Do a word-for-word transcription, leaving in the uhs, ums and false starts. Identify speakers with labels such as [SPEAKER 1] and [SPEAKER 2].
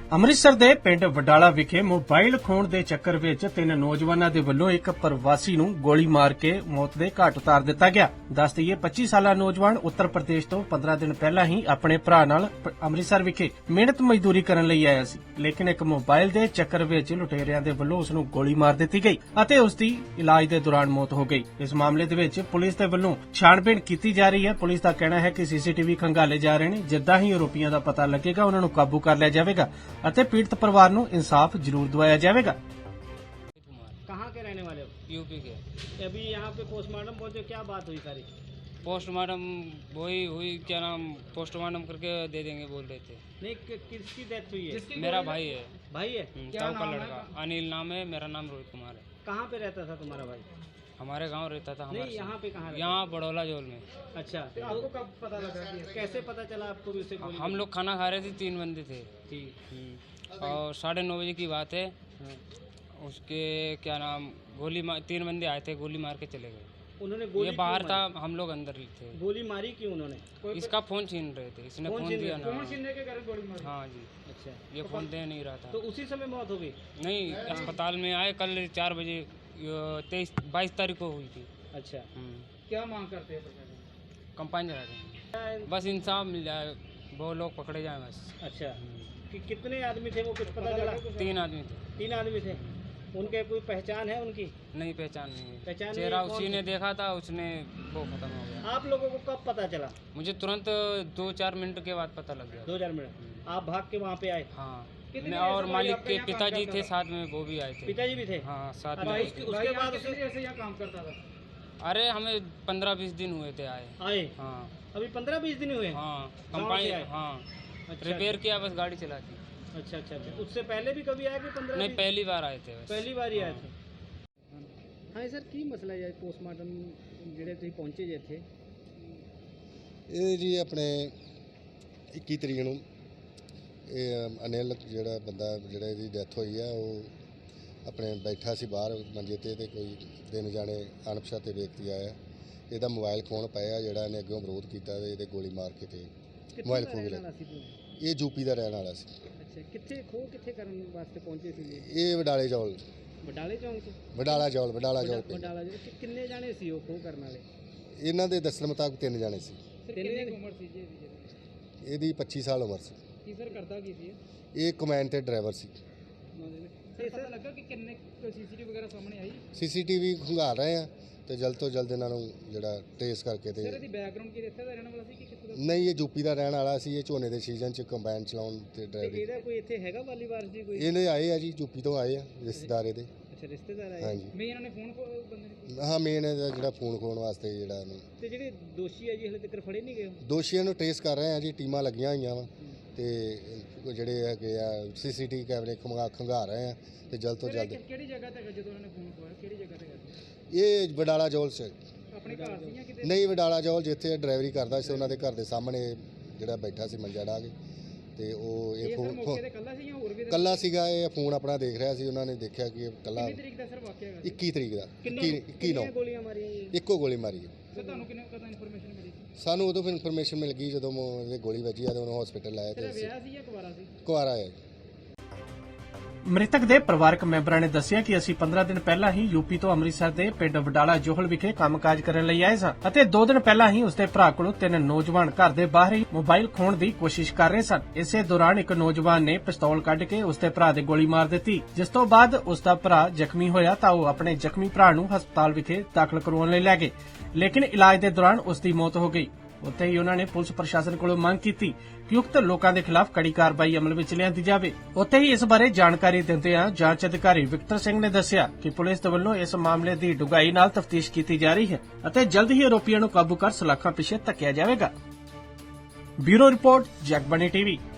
[SPEAKER 1] ਅੰਮ੍ਰਿਤਸਰ ਦੇ ਪਿੰਡ ਵਡਾਲਾ ਵਿਖੇ ਮੋਬਾਈਲ ਖੋਹਣ ਦੇ ਚੱਕਰ ਵਿੱਚ ਤਿੰਨ ਨੌਜਵਾਨਾਂ ਦੇ ਵੱਲੋਂ ਇੱਕ ਪ੍ਰਵਾਸੀ ਨੂੰ ਗੋਲੀ ਮਾਰ ਕੇ ਮੌਤ ਦੇ ਘਾਟ ਉਤਾਰ ਦਿੱਤਾ ਗਿਆ। ਦੱਸ ਦਈਏ ਪੱਚੀ ਸਾਲਾ ਨੌਜਵਾਨ ਉੱਤਰ ਪ੍ਰਦੇਸ਼ ਤੋਂ ਪੰਦਰਾਂ ਦਿਨ ਪਹਿਲਾਂ ਹੀ ਆਪਣੇ ਭਰਾ ਨਾਲ ਅੰਮ੍ਰਿਤਸਰ ਵਿਖੇ ਮਿਹਨਤ ਮਜ਼ਦੂਰੀ ਕਰਨ ਲਈ ਆਇਆ ਸੀ, ਲੇਕਿਨ ਇੱਕ ਮੋਬਾਈਲ ਦੇ ਚੱਕਰ ਵਿੱਚ ਲੁਟੇਰਿਆਂ ਦੇ ਵੱਲੋਂ ਉਸ ਨੂੰ ਗੋਲੀ ਮਾਰ ਦਿੱਤੀ ਗਈ ਅਤੇ ਉਸ ਦੀ ਇਲਾਜ ਦੇ ਦੌਰਾਨ ਮੌਤ ਹੋ ਗਈ। ਇਸ ਮਾਮਲੇ ਦੇ ਵਿੱਚ ਪੁਲਿਸ ਦੇ ਵੱਲੋਂ ਛਾਣਬੀਣ ਕੀਤੀ ਜਾ ਰਹੀ ਹੈ। ਪੁਲਿਸ ਦਾ ਕਹਿਣਾ ਹੈ ਕਿ ਸੀਸੀਟੀਵੀ ਖੰਗਾਲੇ ਜਾ ਰਹੇ ਨੇ। ਜਿੱਦਾਂ ਹੀ ਆਰੋਪੀਆਂ ਦਾ ਪਤਾ ਲੱਗੇਗਾ ਉਹਨਾਂ ਨੂੰ ਕਾਬੂ ਕਰ ਲਿਆ ਜਾਵੇਗਾ ਅਤੇ पीड़ित परिवार को इंसाफ जरूर दिवाया जाएगा।
[SPEAKER 2] कहाँ के रहने वाले हो?
[SPEAKER 3] यूपी के।
[SPEAKER 2] अभी यहाँ पे पोस्टमार्टम पहुंचे, क्या बात हुई सारी?
[SPEAKER 3] पोस्टमार्टम वही हुई, क्या नाम, पोस्टमार्टम करके दे देंगे बोल रहे थे।
[SPEAKER 2] नहीं, कि, किसकी डेथ हुई है?
[SPEAKER 3] मेरा भाई है।
[SPEAKER 2] भाई है?
[SPEAKER 3] ताऊ का लड़का अनिल नाम है, मेरा नाम रोहित कुमार है।
[SPEAKER 2] कहाँ पे रहता था तुम्हारा भाई?
[SPEAKER 3] हमारे गांव रहता था।
[SPEAKER 2] नहीं, यहाँ पे कहाँ?
[SPEAKER 3] यहाँ बड़ौला जोल में।
[SPEAKER 2] अच्छा, तो आपको कब पता लगा? कैसे पता चला आपको भी उसे गोली?
[SPEAKER 3] हम लोग खाना खा रहे थे, तीन बंदे थे
[SPEAKER 2] ठीक,
[SPEAKER 3] और साढ़े नौ बजे की बात है। उसके क्या नाम, गोली मार, तीन बंदे आए थे, गोली मार के चले गए।
[SPEAKER 2] उन्होंने गोली
[SPEAKER 3] ये बाहर था, हम लोग अंदर थे।
[SPEAKER 2] गोली मारी क्यों उन्होंने?
[SPEAKER 3] इसका फोन छीन रहे थे, इसने फोन दिया ना।
[SPEAKER 2] फोन छीनने के कारण गोली मारी?
[SPEAKER 3] हाँ जी।
[SPEAKER 2] अच्छा,
[SPEAKER 3] ये फोन दे नहीं रहा था।
[SPEAKER 2] तो उसी समय मौत हो गई?
[SPEAKER 3] नहीं, अस्पताल में आए कल चार बजे, तेईस बाईस तारीख को हुई थी।
[SPEAKER 2] अच्छा, क्या मांग करते हैं प्रशासन?
[SPEAKER 3] कंपाइन चला देंगे, बस इंसाफ मिल जाए, वो लोग पकड़े जाए बस।
[SPEAKER 2] अच्छा, कि कितने आदमी थे वो कुछ पता चला?
[SPEAKER 3] तीन आदमी थे।
[SPEAKER 2] तीन आदमी थे। उनके कोई पहचान है उनकी?
[SPEAKER 3] नहीं, पहचान नहीं है।
[SPEAKER 2] पहचान नहीं,
[SPEAKER 3] चेहरा
[SPEAKER 2] कौन
[SPEAKER 3] उसी
[SPEAKER 2] थे?
[SPEAKER 3] ने देखा था, उसने वो खत्म हो गया।
[SPEAKER 2] आप लोगों को कब पता चला?
[SPEAKER 3] मुझे तुरंत दो चार मिनट के बाद पता लग गया।
[SPEAKER 2] दो हजार मिनट आप भाग के वहाँ पे आए?
[SPEAKER 3] हाँ,
[SPEAKER 2] कितनी
[SPEAKER 3] और
[SPEAKER 2] देर से
[SPEAKER 3] मालिक
[SPEAKER 2] आपके
[SPEAKER 3] के
[SPEAKER 2] यहाँ काम
[SPEAKER 3] पिताजी
[SPEAKER 2] करता
[SPEAKER 3] थे
[SPEAKER 2] था?
[SPEAKER 3] साथ में, वो भी आए थे।
[SPEAKER 2] पिताजी भी थे?
[SPEAKER 3] हाँ, साथ
[SPEAKER 2] अच्छा,
[SPEAKER 3] में।
[SPEAKER 2] उसके उसके बाद उसे ऐसे यहाँ काम करता था?
[SPEAKER 3] अरे हमें पंद्रह बीस दिन हुए थे आए।
[SPEAKER 2] आए?
[SPEAKER 3] हाँ
[SPEAKER 2] अभी पंद्रह बीस दिन हुए?
[SPEAKER 3] हाँ,
[SPEAKER 2] गाँव से
[SPEAKER 3] कंपाइन
[SPEAKER 2] आए?
[SPEAKER 3] हाँ,
[SPEAKER 2] अच्छा,
[SPEAKER 3] रिपेयर किया, बस गाड़ी चला दी।
[SPEAKER 2] अच्छा अच्छा अच्छा, उससे पहले भी कभी आए कि पंद्रह?
[SPEAKER 3] नहीं, पहली बार आए थे बस।
[SPEAKER 2] पहली बार ही आए
[SPEAKER 3] हाँ।
[SPEAKER 2] थे। हाँ सर, की मसला है पोस्टमार्टम ਜਿਹੜੇ ਤੁਸੀਂ ਪਹੁੰਚੇ ਜੇ ਇੱਥੇ?
[SPEAKER 4] ਇਹ ਜੀ ਆਪਣੇ ਇੱਕੀ ਤਰੀਕ ਨੂੰ ਇਹ ਅਨਿਲ ਜਿਹੜਾ ਬੰਦਾ ਜਿਹੜਾ ਇਹਦੀ ਡੈਥ ਹੋਈ ਆ, ਉਹ ਆਪਣੇ ਬੈਠਾ ਸੀ ਬਾਹਰ ਮੰਜੇ ਤੇ ਤੇ ਕੋਈ ਦਿਨ ਜਾਣੇ ਅਣਪਛਾਤੇ ਵਿਅਕਤੀ ਆਇਆ, ਇਹਦਾ ਮੋਬਾਈਲ ਖੋਹਣ ਪਿਆ, ਜਿਹੜਾ ਇਹਨੇ ਅੱਗੋਂ ਵਿਰੋਧ ਕੀਤਾ ਤੇ ਇਹਦੇ ਗੋਲੀ ਮਾਰ ਕੇ ਤੇ ਮੋਬਾਈਲ ਖੋਹ ਲਿਆ। ਇਹ ਯੂਪੀ ਦਾ ਰਹਿਣ ਵਾਲਾ ਸੀ।
[SPEAKER 2] ਅੱਛਾ, ਕਿੱਥੇ ਖੋਹ ਕਿੱਥੇ ਕਰਨ ਵਾਸਤੇ ਪਹੁੰਚੇ ਸੀ?
[SPEAKER 4] ਇਹ ਵਡਾਲੇ ਚੌਲ,
[SPEAKER 2] ਵਡਾਲੇ ਚੌਂਕ 'ਚ?
[SPEAKER 4] ਵਡਾਲਾ ਚੌਲ, ਵਡਾਲਾ ਚੌਲ ਪਿੰਡ।
[SPEAKER 2] ਵਡਾਲਾ ਜੀ, ਕਿ- ਕਿੰਨੇ ਜਾਣੇ ਸੀ ਉਹ ਖੋਹ ਕਰਨ ਵਾਲੇ?
[SPEAKER 4] ਇਹਨਾਂ ਦੇ ਦੱਸਣ ਮੁਤਾਬਕ ਤਿੰਨ ਜਾਣੇ ਸੀ।
[SPEAKER 2] ਕਿੰਨੀ ਕੁ ਉਮਰ ਸੀ ਜੀ ਇਹਦੀ?
[SPEAKER 4] ਇਹਦੀ ਪੱਚੀ ਸਾਲ ਉਮਰ ਸੀ।
[SPEAKER 2] ਕੀ ਸਰ ਕਰਦਾ ਕੀ ਸੀ?
[SPEAKER 4] ਇਹ ਕਮੈਨ ਤੇ ਡਰਾਈਵਰ ਸੀ।
[SPEAKER 2] ਤੇ ਪਤਾ ਲੱਗਾ ਕਿ ਕਿੰਨੇ ਸੀਸੀਟੀਵੀ ਵਗੈਰਾ ਸਾਹਮਣੇ ਆਈ?
[SPEAKER 4] ਸੀਸੀਟੀਵੀ ਖੰਗਾਲ ਰਹੇ ਆ ਤੇ ਜਲਦ ਤੋਂ ਜਲਦ ਇਹਨਾਂ ਨੂੰ ਜਿਹੜਾ ਟ੍ਰੇਸ ਕਰਕੇ ਤੇ
[SPEAKER 2] ਸਰ ਇਹਦੀ ਬੈਕਗ੍ਰਾਉਂਡ ਕੀ ਇੱਥੇ ਦਾ ਰਹਿਣ ਵਾਲਾ ਸੀ ਕਿ ਕਿੱਥੇ ਦਾ?
[SPEAKER 4] ਨਹੀਂ, ਇਹ ਯੂਪੀ ਦਾ ਰਹਿਣ ਵਾਲਾ ਸੀ। ਇਹ ਝੋਨੇ ਦੇ ਸੀਜ਼ਨ 'ਚ ਕੰਬਾਈਨ ਚਲਾਉਣ ਤੇ
[SPEAKER 2] ਤੇ
[SPEAKER 4] ਡਰਾਈਵਿੰਗ।
[SPEAKER 2] ਇਹਦਾ ਕੋਈ ਇੱਥੇ ਹੈਗਾ ਵਾਲੀ ਵਾਰਸ ਜੀ ਕੋਈ?
[SPEAKER 4] ਇਹਨੇ ਆਏ ਆ ਜੀ, ਯੂਪੀ ਤੋਂ ਆਏ ਆ ਰਿਸ਼ਤੇਦਾਰ ਇਹਦੇ।
[SPEAKER 2] ਅੱਛਾ, ਰਿਸ਼ਤੇਦਾਰ ਆਏ?
[SPEAKER 4] ਹਾਂਜੀ।
[SPEAKER 2] ਮੈਂ ਇਹਨਾਂ ਨੇ ਫੋਨ ਬੰਦੇ ਨੇ?
[SPEAKER 4] ਹਾਂ, ਮੇਨ ਇਹਦਾ ਜਿਹੜਾ ਫੋਨ ਖੋਣ ਵਾਸਤੇ ਜਿਹੜਾ ਇਹਨੂੰ।
[SPEAKER 2] ਤੇ ਜਿਹੜੇ ਦੋਸ਼ੀ ਹੈ ਜੀ ਹਲੇ ਤੱਕ ਫੜੇ ਨਹੀਂ ਗਏ?
[SPEAKER 4] ਦੋਸ਼ੀਆਂ ਨੂੰ ਟ੍ਰੇਸ ਕਰ ਰਹੇ ਆ ਜੀ, ਟੀਮਾਂ ਲੱਗੀਆਂ ਹੋਈਆਂ ਵਾ ਤੇ ਜਿਹੜੇ ਹੈਗੇ ਆ ਸੀਸੀਟੀਵੀ ਕੈਮਰੇ ਖੰਗਾ ਖੰਗਾ ਰਹੇ ਆ ਤੇ ਜਲਦ ਤੋਂ ਜਲਦ।
[SPEAKER 2] ਕਿਹੜੀ ਜਗ੍ਹਾ ਤੇ ਜਦੋਂ ਉਹਨਾਂ ਨੇ ਫੋਨ ਖੋਇਆ, ਕਿਹੜੀ ਜਗ੍ਹਾ ਤੇ?
[SPEAKER 4] ਇਹ ਵਡਾਲਾ ਜੌਲ 'ਚ
[SPEAKER 2] ਆਪਣੇ ਘਰ ਸੀ ਜਾਂ ਕਿਤੇ?
[SPEAKER 4] ਨਹੀਂ, ਵਡਾਲਾ ਜੌਲ ਜਿੱਥੇ ਡਰਾਈਵਰੀ ਕਰਦਾ ਸੀ, ਉਹਨਾਂ ਦੇ ਘਰ ਦੇ ਸਾਹਮਣੇ ਜਿਹੜਾ ਬੈਠਾ ਸੀ ਮੰਜਾ ਢਾ ਕੇ ਤੇ ਉਹ ਇਹ
[SPEAKER 2] ਇਹ ਸਰ
[SPEAKER 4] ਫੋਨ
[SPEAKER 2] ਮੌਕੇ ਤੇ ਕੱਲਾ ਸੀ ਜਾਂ ਹੋਰ ਵੀ?
[SPEAKER 4] ਕੱਲਾ ਸੀਗਾ। ਇਹ ਫੋਨ ਆਪਣਾ ਦੇਖ ਰਿਹਾ ਸੀ, ਉਹਨਾਂ ਨੇ ਦੇਖਿਆ ਕਿ ਇਹ ਕੱਲਾ।
[SPEAKER 2] ਕਿੰਨੀ ਤਰੀਕ ਦਾ ਸਰ ਵਾਕਿਆ ਹੈਗਾ?
[SPEAKER 4] ਇੱਕੀ ਤਰੀਕ ਦਾ,
[SPEAKER 2] ਕਿੰਨੀ
[SPEAKER 4] ਇੱਕੀ ਨੌ
[SPEAKER 2] ਗੋਲੀਆਂ ਮਾਰੀਆਂ ਜੀ?
[SPEAKER 4] ਇੱਕੋ ਗੋਲੀ ਮਾਰੀ ਹੈ।
[SPEAKER 2] ਸਰ ਤੁਹਾਨੂੰ ਕਿੰਨੇ ਕਦੋਂ ਇਨਫੋਰਮੇਸ਼ਨ ਮਿਲੀ?
[SPEAKER 4] ਸਾਨੂੰ ਉਦੋਂ ਫਿਰ ਇਨਫੋਰਮੇਸ਼ਨ ਮਿਲ ਗਈ ਜਦੋਂ ਇਹਦੇ ਗੋਲੀ ਵੱਜੀ ਆ ਤੇ ਉਹਨੂੰ ਹਸਪੀਟਲ ਲਾਇਆ
[SPEAKER 2] ਤੇਰਾ
[SPEAKER 4] ਤੇ
[SPEAKER 2] ਵਿਆਹ ਸੀ ਜਾਂ ਕੁਵਾਰਾ ਸੀ?
[SPEAKER 4] ਕੁਆਰਾ ਹੈ।
[SPEAKER 1] ਮ੍ਰਿਤਕ ਦੇ ਪਰਿਵਾਰਕ ਮੈਂਬਰਾਂ ਨੇ ਦੱਸਿਆ ਕਿ ਅਸੀਂ ਪੰਦਰਾਂ ਦਿਨ ਪਹਿਲਾਂ ਹੀ ਯੂਪੀ ਤੋਂ ਅੰਮ੍ਰਿਤਸਰ ਦੇ ਪਿੰਡ ਵਡਾਲਾ ਜੋਹਲ ਵਿਖੇ ਕੰਮਕਾਜ ਕਰਨ ਲਈ ਆਏ ਸਾਂ ਅਤੇ ਦੋ ਦਿਨ ਪਹਿਲਾਂ ਹੀ ਉਸਦੇ ਭਰਾ ਕੋਲੋਂ ਤਿੰਨ ਨੌਜਵਾਨ ਘਰ ਦੇ ਬਾਹਰ ਹੀ ਮੋਬਾਈਲ ਖੋਹਣ ਦੀ ਕੋਸ਼ਿਸ਼ ਕਰ ਰਹੇ ਸਨ। ਇਸੇ ਦੌਰਾਨ ਇੱਕ ਨੌਜਵਾਨ ਨੇ ਪਿਸਤੌਲ ਕੱਢ ਕੇ ਉਸਦੇ ਭਰਾ ਦੇ ਗੋਲੀ ਮਾਰ ਦਿੱਤੀ, ਜਿਸ ਤੋਂ ਬਾਅਦ ਉਸਦਾ ਭਰਾ ਜ਼ਖਮੀ ਹੋਇਆ ਤਾਂ ਉਹ ਆਪਣੇ ਜ਼ਖਮੀ ਭਰਾ ਨੂੰ ਹਸਪਤਾਲ ਵਿਖੇ ਦਾਖਲ ਕਰਵਾਉਣ ਲਈ ਲੈ ਗਏ, ਲੇਕਿਨ ਇਲਾਜ ਦੇ ਦੌਰਾਨ ਉਸ ਦੀ ਮੌਤ ਹੋ ਗਈ। ਉੱਥੇ ਹੀ ਉਹਨਾਂ ਨੇ ਪੁਲਿਸ ਪ੍ਰਸ਼ਾਸਨ ਕੋਲੋਂ ਮੰਗ ਕੀਤੀ ਕਿ ਉਕਤ ਲੋਕਾਂ ਦੇ ਖਿਲਾਫ ਕੜੀ ਕਾਰਵਾਈ ਅਮਲ ਵਿੱਚ ਲਿਆਂਦੀ ਜਾਵੇ। ਉੱਥੇ ਹੀ ਇਸ ਬਾਰੇ ਜਾਣਕਾਰੀ ਦਿੰਦਿਆਂ ਜਾਂਚ ਅਧਿਕਾਰੀ ਵਿਕਟਰ ਸਿੰਘ ਨੇ ਦੱਸਿਆ ਕਿ ਪੁਲਿਸ ਦੇ ਵੱਲੋਂ ਇਸ ਮਾਮਲੇ ਦੀ ਡੂੰਘਾਈ ਨਾਲ ਤਫਤੀਸ਼ ਕੀਤੀ ਜਾ ਰਹੀ ਹੈ ਅਤੇ ਜਲਦ ਹੀ ਆਰੋਪੀਆਂ ਨੂੰ ਕਾਬੂ ਕਰ ਸਲਾਖਾਂ ਪਿੱਛੇ ਧੱਕਿਆ ਜਾਵੇਗਾ। Bureau report, Jagbani TV.